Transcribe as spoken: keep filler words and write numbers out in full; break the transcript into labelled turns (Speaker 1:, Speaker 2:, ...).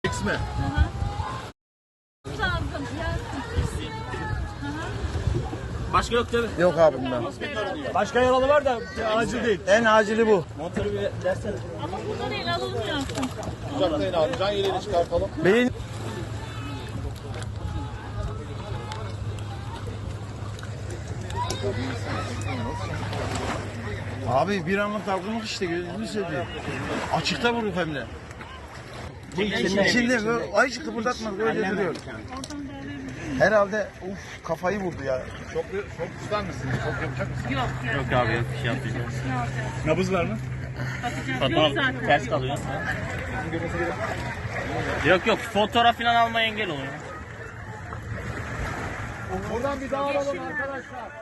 Speaker 1: X mi? Başka yok değil mi?
Speaker 2: Yok abi bundan.
Speaker 3: Başka yaralı var da acil değil.
Speaker 2: En acili bu.
Speaker 3: Motoru bir dersene.
Speaker 4: Ama burada değil, alınmıyorsun.
Speaker 1: Uzaklayın abi. Can yeleğini çıkartalım.
Speaker 2: Beyin. Abi bir anlık dalgınlık işte gözünü seveyim. Açıkta vurdu hem de. İçinde böyle ay hiç kıpırdatmadı böyle duruyor. Herhalde uf kafayı vurdu ya.
Speaker 1: Çok çok ister misiniz? Çok yapacak mısınız?
Speaker 4: Yok, yok.
Speaker 5: Yok abi yok bir şey yapmayacağım.
Speaker 4: Ne alacağız?
Speaker 3: Nabız var mı?
Speaker 4: Bakacağız. Yok zaten.
Speaker 5: Ters kalıyor. Yok yok fotoğraf falan almaya engel oluyor.
Speaker 1: Buradan bir daha alalım arkadaşlar.